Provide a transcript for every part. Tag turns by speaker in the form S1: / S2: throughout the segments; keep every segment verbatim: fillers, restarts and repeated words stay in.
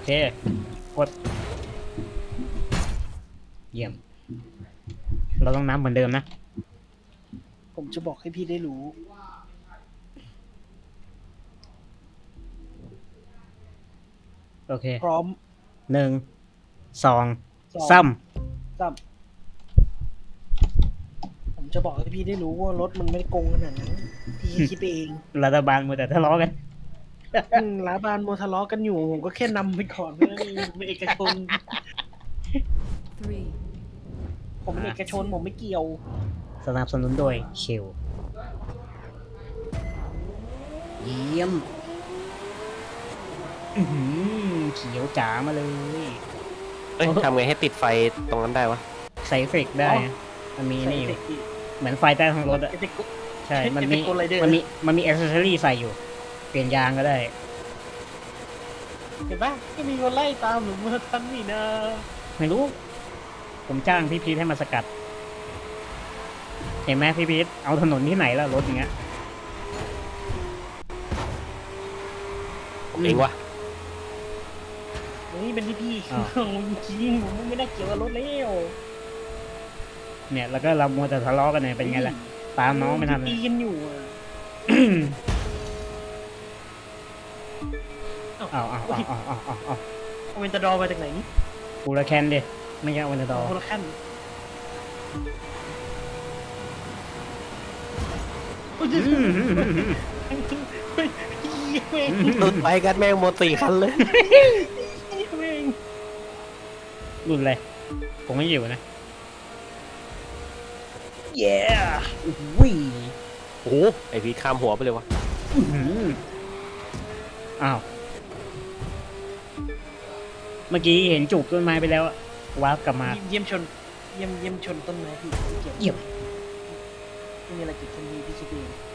S1: เคกดเยี่ยมเราต้องน้ำเหมือนเดิมนะ
S2: ผมจะบอกให้พี่ได้รู้
S1: โอเค
S2: พร้อม
S1: หนึ่งสอง
S2: สอง
S1: ซ้
S2: สามผมจะบอกให้พี่ได้รู้ว่ารถมันไม่ได้โกงขนาดนั้นพี่คิดไปเอง
S1: ำรัฐบาลมัวแต่ทะเลาะกัน
S2: อืมร้านบานโมทะเลาะกันอยู่ผมก็แค่นำไปก่อนเพื่อนเป็นเอกชน
S3: three,
S2: ผมเป็นเอกชนผมไม่เกี่ยว
S1: สนับสนุนโดยเชลเยี่ยมอื้อหือเขียวจ๋ามาเลย
S4: เอ้ยทำไงให้ติดไฟตรงนั้นได้วะ
S1: ใส่เอฟเฟกต์ได้
S2: อ๋อ
S1: นะมันมีนี่อยู่
S2: ใส่เทค
S1: เหมือนไฟใต้ท้องรถอะ
S2: เอฟเฟกต์
S1: ใช่ มัน
S2: เอฟ
S1: มี
S2: เฟกต์กดไรเดอร์
S1: มันมีมันมีแอคเซสซอรี่ใส่อยู่ เปลี่ยนยางก็ได้
S2: เห็นปะไม่มีคนไล่ตามหนูเมื่อทันนี่นะ
S1: ไม่รู้ ผมจ้างพี่พีทให้มาสกัด เห็นไหมพี่พีทเอาถนนที่ไหนแล้วรถอย่างเงี้ย
S4: ผมเองวะ
S2: นี่เป็นที่พี่
S1: อ้าว
S2: จริงผมไม่ได้เกี่ยวกับรถแล้ว
S1: เนี่ยแล้วก็เรามัวแต่ทะเลาะกันเนี่ยเป็นไงล่ะ ตามน้องไม่ทันเล
S2: ตี
S1: ย
S2: กันอยู่อะ
S1: เอาเอาเอาเอาเอาเอาเอา
S2: เอาเวนตาดอร์มาจากไหนนี่
S1: ฟูลแคนดิไม่ใช่วันดอ
S2: โคละขั้นโอ้ย
S1: อืม
S2: เฮ้ยเฮ้ย
S4: หลุดไปกันแม่งหมดสี่คันเลย
S2: เฮ้ย
S1: รุ่นอะไรผมไม่อยู่นะเย้วิ่ง
S4: โอ้โหไอพีข้ามหัวไปเลยวะ
S1: อ้าว เมื่อกี้เห็นจูบต้นไม้ไปแล้วอะวาร์ปกลับมา
S2: เยี่ยมชนเยี่ยมเยี่ยมชนต้นไม้พี่ไม่เกี่ยว
S1: เยี่ยม
S2: ไม่มีอะไรเกิดขึ้นพี่พี่คิดเอง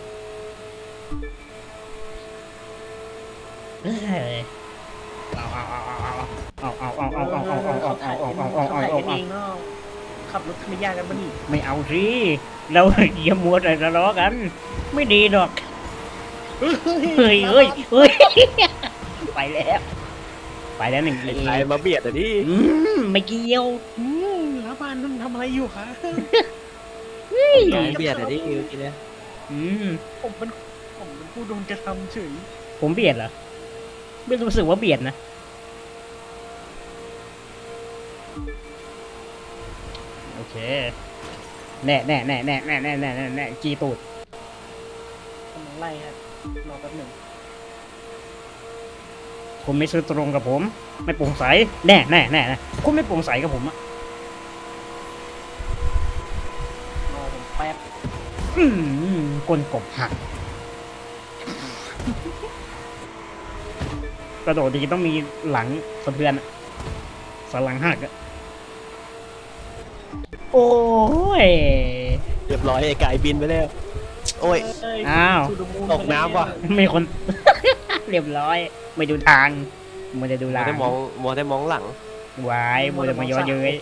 S1: เอ้ยเอาเอาเอาเอาเอาเอาเอาเอาเอาเอาเอาเอาเอาเอาเอาเอา
S2: เขาถ่าย
S1: เอา
S2: กันเองเนาะขับรถไม่ยากกันปะนี่
S1: ไม่เอาสิเราอย่ามัวแต่ทะเลาะกัน ไม่ดีหรอกเฮ้ยเฮ้ยเฮ้ยไปแล้ว ไปแล้วหนึ่ง
S4: ไอ้
S1: เอ
S4: ชายมาเบียดอ่ะดิ
S1: อืมไม่เกี่ยว
S2: อืมร้านบ้านนั่นทำอะไรอยู่คะ
S4: ชายเบียดอ่ะดิเมื่อกี้เนี่ย
S1: อืม
S2: ผมเป็นผมเป็นผู้โดนกระทำเฉย
S1: ผมเบียดเหรอไม่รู้สึกว่าเบียดนะโอเคแน่แน่แน่แน่แน่แน่แน่แน่แน่จีตูด
S2: กำลังไล่ครับรอแป๊บหนึ่ง
S1: คุณไม่ซื้อตรงกับผม ไม่โปร่งใสแน่แน่แน่แน่คุณไม่โปร่งใสกับผมอะ
S2: รอผมแป๊บ
S1: อืมก้นกบหักกระโดดดีต้องมีหลังสะเทือนอะสนหลังหักอะโอ้ย
S4: เรียบร้อยไอ้ไก่บินไปแล้ว โอ้ย
S2: เอ้ย
S1: อ้าว
S2: To the moon
S4: ตกน้ำว่ะ
S1: ไม่คน เรียบร้อย ไม่ดูทางมันจะดู
S4: มัว
S1: ลาง
S4: ได้มองมัวได้มองหลัง
S1: วายมัวแต่มาย้อนเย้ย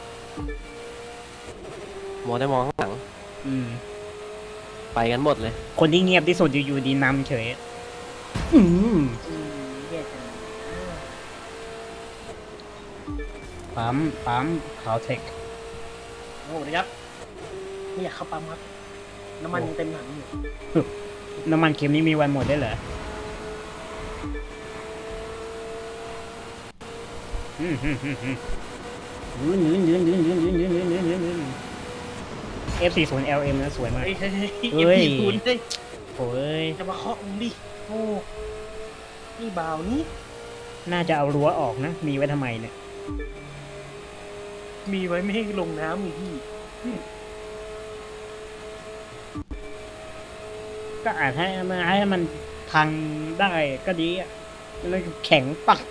S4: มัวได้มองข้างหลัง
S1: อืม
S4: ไปกันหมดเลย
S1: คนที่เงียบที่สุดอยู่ๆดีนำเฉย อืม
S2: อืมแย่จัง
S1: ปั๊มปั๊มคาวเทค
S2: โอ้โหนะครับไม่อยากเข้าปั๊มครับน้ำมันยังเต็มถังอยู่
S1: น้ำมันเค็มนี่มีวันหมดได้เหรออืมอืมอืมอืมยืนยืนยืนยืนยืนยืนยืนยืนยืนยืนยืน เอฟ สี่สิบ แอล เอ็ม นะสวยมาก
S2: เฮ้ยเฮ้ย
S1: เฮ้
S2: เฮ้
S1: ย
S2: ยคุณเฮ้ย
S1: โอ้ย
S2: จะมาเคาะมึงดิโอ้นี่บ่าวนี่
S1: น่าจะเอารั้วออกนะ มีไว้ทำไมเนี่ย
S2: มีไว้ไม่ให้ลงน้ำอีกพี่
S1: ก็อาจให้มันให้มันพังได้ก็ดีอ่ะแล้วแข็งปัก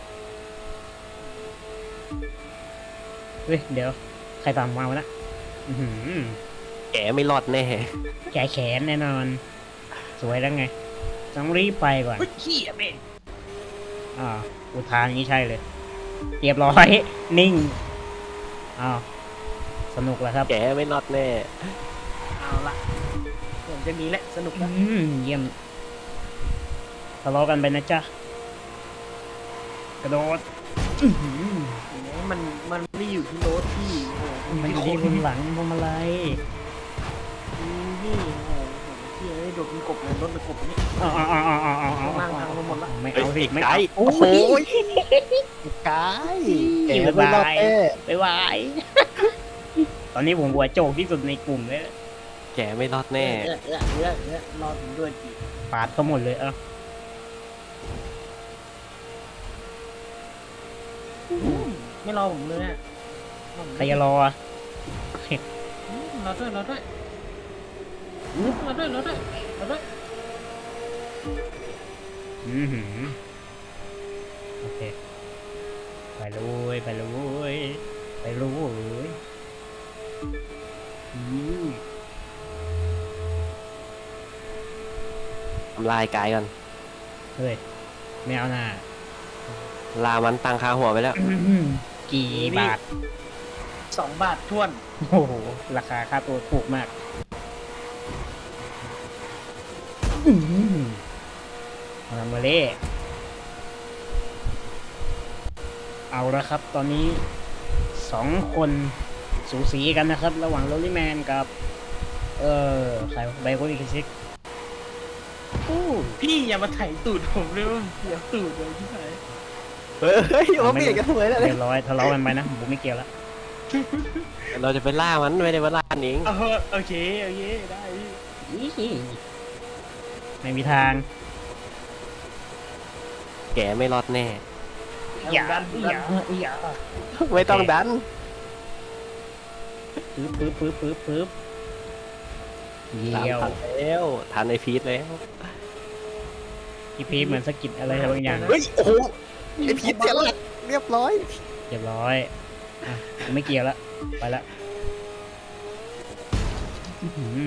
S1: เฮ้ย เดี๋ยว ใครตามมาวะนะอื้อหือ
S4: แกไม่รอดแน่
S1: แขนแขนแน่นอน สวยแล้วไง ต้องรีบไปก่อน
S2: เฮ้ยขี้อะเบ้
S1: อ่าอุทานนี้ใช่เลย เรียบร้อย นิ่งอ้าวสนุกแล้วครับ
S4: แกไม่รอดแน่
S2: เอาละผมจะมีแหละสนุก
S1: อื
S2: นะ
S1: มเยี่ยมทะเลาะกันไปนะจ๊ะกระโดดอื้อหือ
S2: มันมันไม่ได้อยู่ที่รถพี่โอ้โห
S1: มันอยู่ที่บนหลังพวงมาลัย
S2: นี่โอ้โหพี่เอ้ยโดดเป็นกบเลยรถเป็นกบนี่
S1: เอาเอาเอาเอาเอาเอาเอา
S2: นั่งทางลงหมดละ
S1: ไม่เอาสิไม่
S4: ไก
S1: เอา
S4: โอ้โหไกแกไม่รอดแน่
S1: ไปวายตอนนี้ผมหัวโจกที่สุดในกลุ่มเลย
S4: แกไม่รอดแน่
S2: เออเออเออเออรอผมด้วยพี่
S1: ปาดเขาหมดเลยเอ้า
S2: ไม่รอผมเลยอะรอผม
S1: ใครจะรออ่ะ
S2: อืมรอด้วยรอด้วยอืมรอด้วยรอด้วยรอด้วย
S1: อือหือโอเคไปเลยไปเลยไปเลยอืม
S4: ทำลายกายก่อน
S1: เฮ้ยไม่เอาหน้า
S4: ลามันตังคาหัวไปแล้ว
S1: อื้อหือกี่บาท
S2: สองบาทท้วน
S1: โอ้โห ราคาค่าตัวถูกมากอื้อหือเอามาเล่เอาละครับ ตอนนี้สองคนสูสีกันนะครับ ระหว่างโรลลี่แมนกับ เออใครไบโคลิคิซิกโอ้
S2: พี่อย่ามาไถตูดผมเลยว่าเสียตูดเลยที่ไหน
S4: เฮ้ยมาเปลี่ยนกันทำไมล่ะ
S1: เรียบร้อยทะเลาะกันไปนะผมไม่เกี่ยวแล้ว
S4: เราจะไปล่ามันไม่ได้ว่าล่าหนิง
S2: เออโอเคโอเคได้พี่
S1: ไม่มีทาง
S4: แกไม่รอดแน่
S1: อย่า
S2: ดัน
S1: อย่าอย่า
S4: ไม่ต้องดัน
S1: ปึ๊บปึ๊บปึ๊บปึ๊บปึ๊บเยี่ยว
S4: ทันแล้วทันไอพีทแล้ว
S1: พี่พีชเหมือนสะกิดอะไรบางอย่าง
S4: เฮ้ยโอ้โหไอพีทเสียหลักเรียบร้อย
S1: เรียบร้อยอ่ะผมไม่เกี่ยวละไปละอื้อหือ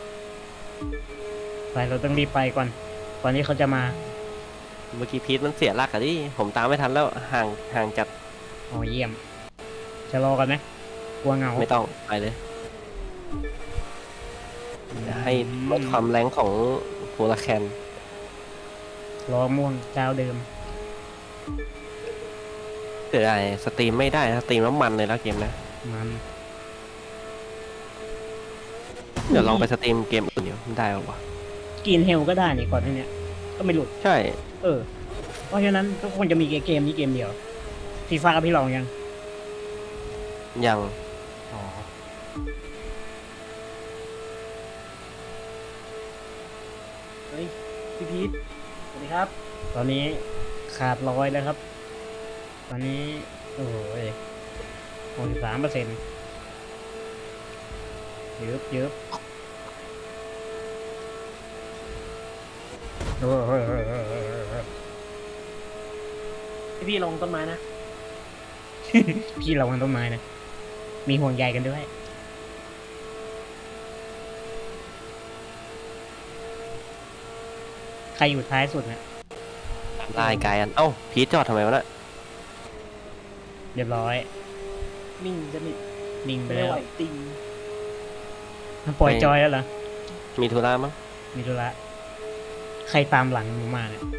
S1: ไปเราต้องรีบไปก่อนก่อนที่เขาจะมา
S4: เมื่อกี้พีทมันเสียหลักอะดิผมตามไม่ทันแล้วห่างห่างจัด
S1: อ๋อเยี่ยมจะรอกันไหมกลัวเหงา
S4: ไม่ต้องไปเลยให้ลดความแรงของโฮลาแคน
S1: รอม่วงเจ้าเดิม
S4: เกิดอะไรสตรีมไม่ได้นะสตรีมน้ำมันเลยแล้วเกมนะ
S1: มัน
S4: เดี๋ยวลองไปสตรีมเกมอื่นเดี๋ยวได้ป่าวะ
S1: กินเฮลก็ได้นี่ก่อนที่เนี้ยก็ไม่หลุด
S4: ใช่
S1: เออ เพราะฉะนั้นทุกคนจะมีเกมนี้เกมเดียวฟีฟ่ากับพี่ลองยัง
S4: ยัง
S1: อ๋อ
S2: เฮ้ยพี่พีทสวัสดีครับ
S1: ตอนนี้ขาดร้อยแล้วครับ ตอนนี้โอ้โหหกสิบสามเปอร์เซ็นต์เยอะเยอะโอ้โห
S2: พี่พี่ลงต้นไม้นะ
S1: พี่ระวังต้นไม้นะ มีห่วงใยกันด้วย ใครอยู่ท้ายสุดนะ
S4: ลายกายอันเอ้าพีทจอดทำไมวะน่ะ
S1: เรียบร้อย
S2: นิ่งสนิท
S1: นิ่งไป
S2: ไม่
S1: แล้ว
S2: ไหวติง
S1: ปล่อยจอยแล้วเหรอ
S4: มีธุระมั้ง
S1: มีธุระใครตามหลังผมมาเนี่ย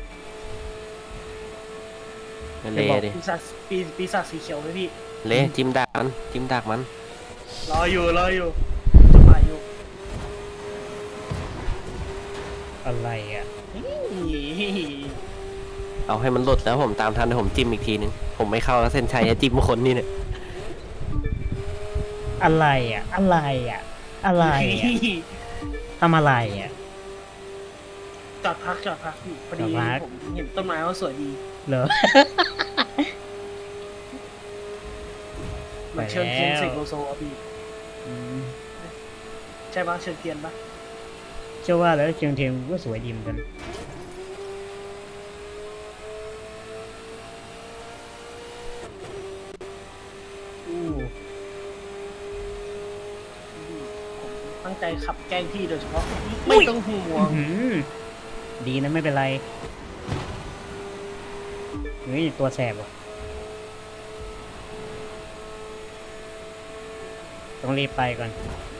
S4: เละดิ
S2: ปีศาจปีปีศาจสีเขียวไหมพี่
S4: เละจิ้มดักมันจิ้มดักมัน
S2: รออยู่รออยู่จะมาอยู่
S1: อะไรอ่ะ
S4: เอาให้มันหลุดแล้วผมตามทันเดี๋ยวผมจิ้มอีกทีนึงผมไม่เข้าแล้วเส้นชัยจะจิ้มคนนี่เนี่ย
S1: อะไรอ่ะ อะไรอ่ะ อะไรอ่ะทำอะไรอ่ะ
S2: จอดพักจอดพักพี่พอดี
S1: จอดพัก
S2: ผมเห็นต้นไม้ว่าสวยดี
S1: เหรอ
S2: เหมือนเชิญเทียนเสกโลโซอ่ะพี่
S1: อืม
S2: ใช่ปะเชิญเทียนปะ
S1: เชื่อว่าแล้วเชียงเทียงก็สวยดีเหมือนกัน อู้
S2: ผมตั้งใจขับแกล้งพี่โดยเฉพาะไม่ต้องห่วง
S1: อื้อหือดีนะไม่เป็นไรเฮ้ยตัวแสบว่ะ ต้องรีบไปก่อน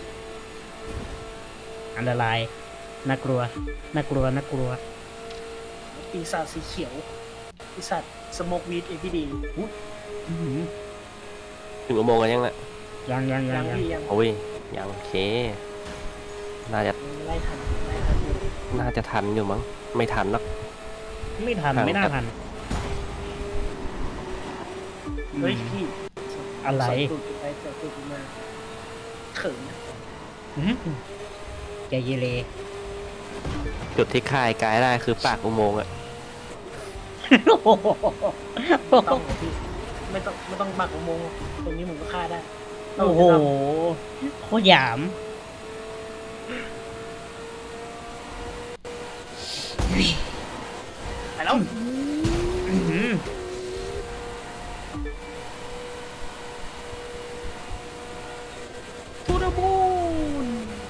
S1: อันตรายน่ากลัวน่ากลัวน่ากลัว
S2: ปีศาจสีเขียว
S1: อ
S2: ไอสัตว์สโมกวีดเอพีดี
S1: อื้อหือ
S4: ถึงอุโมงค์กันยังน่ะ
S1: ยังยังยั
S2: ยัง ง
S1: ยัง
S2: พี่ยัง
S4: โอ้ยยังโอเค น่าจะ
S2: ไล่ทันไล่ทันอยู่
S4: น่าจะทันอยู่มั้งไม่ทันหรอก
S1: ไม่ทันไม่น่าทัน
S2: เฮ้ยพี่
S1: อะไร
S2: สดตูดไปสดตูดมาเขินนะ
S1: อื้อหือใจเยเล
S4: จุดที่คายกายได้คือปากอุโมงค์อะ
S1: โอ้โห
S2: ต้องเหรอพี่ไม่ต้องไม่ต้องบักอุโมงค์ตรงนี้ผมก็ฆ่าได้
S1: โอ้โหโคตรหยาม
S2: ไปแล้ว
S1: อื้อหือ
S2: ทูดบูน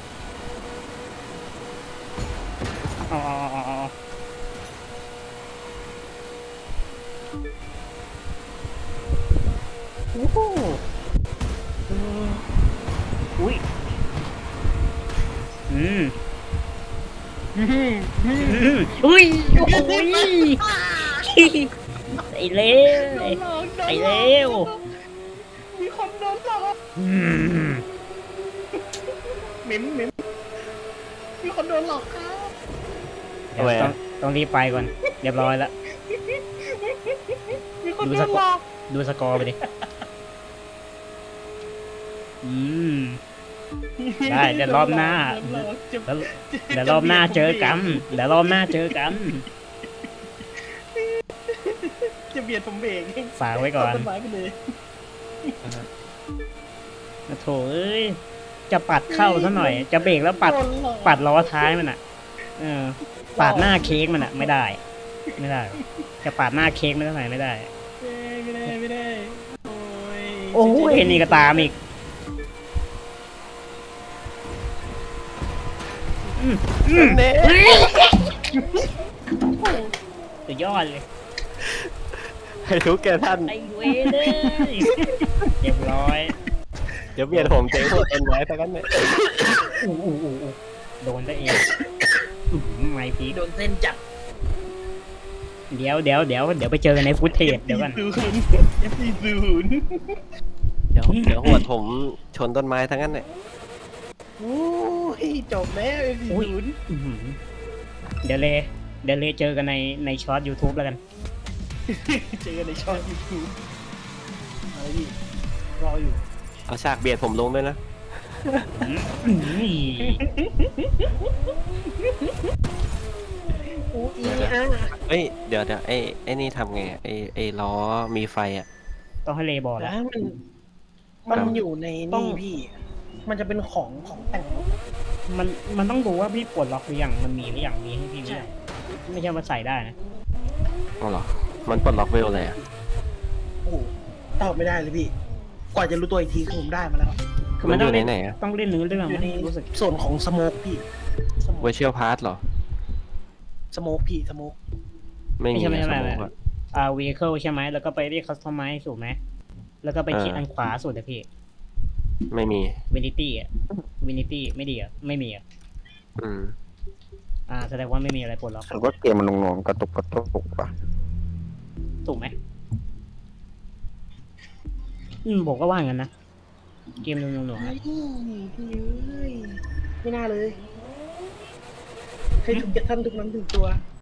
S1: เอาเอาเอาเอาโอ้โหอืมอุ้ยอืมอืมอืมอุ้ยโอ้โหไอ้เล้วไอ้เล้ว
S2: มีคนโดนหลอก
S1: อืม
S2: เหม็นเหม็นมีคนโดนหลอกครับ
S1: เดี๋ยวต้องต้องรีบไปก่อน เรียบร้อยแล้ว
S2: มีคน
S1: ดู
S2: โด
S1: ส
S2: น
S1: ก
S2: หล
S1: อ
S2: อ
S1: ร์
S2: ก
S1: ดูสกอร์ไปดิ อืม ได้เดี๋ยวรอบหน้า แล้วเดี๋ยวรอบหน้าเจอกันเดี๋ยวรอบหน้าเจอกัน
S2: จะเบียดผมเบรก
S1: ฝากไว้ก่อน
S2: ต้นไม้ไปเลย
S1: นะโถเอ้ย จะปัดเข้าซะหน่อย จะเบรกแล้วปัด
S2: โนหลอก
S1: ปัดล้อท้ายมันอ่ะ เออ ปาดหน้าเค้กมันอ่ะ ไม่ได้ ไม่ได้ จะปาดหน้าเค้กไม่ได้ไหนไม่ได้
S2: เอ้ยไม่ได้ไม่ได้โอ้ย
S1: โอ้ยนี่ก็ตามอีกอืมอืม
S4: เน่
S1: สุดยอดเลย
S4: ให้ทุกแกท่าน
S1: ไอเวเลยเรียบร้อย
S4: เดี๋ยวเบียดผมเจ๊หัวต้นไม้ไปกันเนี่ย
S1: อู้อู้อู้อู้โดนซะเองอื้อหือไม่พีค
S2: โดนเส้นจับ
S1: เดี๋ยวเดี๋ยวเดี๋ยวเดี๋ยวไปเจอกันในฟุตเทจเดี๋ยวกัน
S2: ศูนย์เอฟซีศูนย์
S4: เดี๋ยวเดี๋ยวหัวผมชนต้นไม้ทั้งนั้นเนี่ย
S2: โอ้ยจบแล้วเอฟซี
S1: อุ้ย
S2: ศูนย์
S1: อื้อหือเดี๋ยวเลยเดี๋ยวเลยเจอกันในในช็อต YouTube แล้วกัน
S2: เจอกันในช่องยูทูบอะไรพี่รออยู่
S4: เอาฉากเบียดผมลงด้วยนะ
S1: อื้อหือ
S2: โอ้ยอ่ะ
S4: เอ้ยเดี๋ยวเดี๋ยวไอ้ไอ้นี่ทำไงอะไอ้ไอ้ล้อมีไฟอ่ะ
S1: ต้องให้เลบอก
S2: แล้
S1: แล้ว
S2: วมันมันอยู่ใน
S1: ต้อง
S2: นี่พี่ มันจะเป็นของของแต่งรถ
S1: มันมันต้องดูว่าพี่ปลดล็อกหรือยังมันมีหรือยังมีให้พี่หรือยังไม่ใช่มาใส่ได้นะ
S4: อ๋อเหรอ มันปลดล็อกเวลเลยอ่ะ
S2: โอ้โหตอบไม่ได้เลยพี่ กว่าจะรู้ตัวอีกทีคือผมได้มาแล้ว
S1: คือ
S4: มั
S1: มัน น
S4: อ
S1: ต้อง
S4: ยู่ใน
S1: เล่น
S4: ไหนอ่ะ
S1: ต้องเล่นเนื้อเรื่อง
S2: อยู่
S1: มั้
S2: ใน
S1: ยรู้สึก
S2: ส่วนของสโมกพี่สโม
S4: เว
S2: ก
S4: เชียลพาร์ทเหรอ
S2: สโมกพี่สโมก
S4: ไม่มี
S1: ไม่ใช่ไม่ใช่
S4: ส
S1: ไม่
S4: ม
S1: ใช่
S4: องอะ
S1: อ่า vehicle ใช่ไหมแล้วก็ไปเรียก customize ถูกไหมแล้วก็ไปคลิก
S4: เอออั
S1: อันขวาสุดอะพี่
S4: ไม่มี
S1: vanity อ่ะ vanity ไม่ดีอ่ะไม่มีอ่ะ
S4: อืม
S1: อ่าแสดงว่าไม่มีอะไรปลดล็อก
S5: ผมว่าเกมมันหน่วงๆกระตุกกระตุกป่ะ
S1: ถูกไหมอืมผมก็ว่างั้นนะเกมหนุ่มๆหน่วงๆ
S2: เฮ้
S1: อะ
S2: ยพี่เอ้ยไม่น่าเลย ให้ทุกท่านทุกนั้นถึงตัว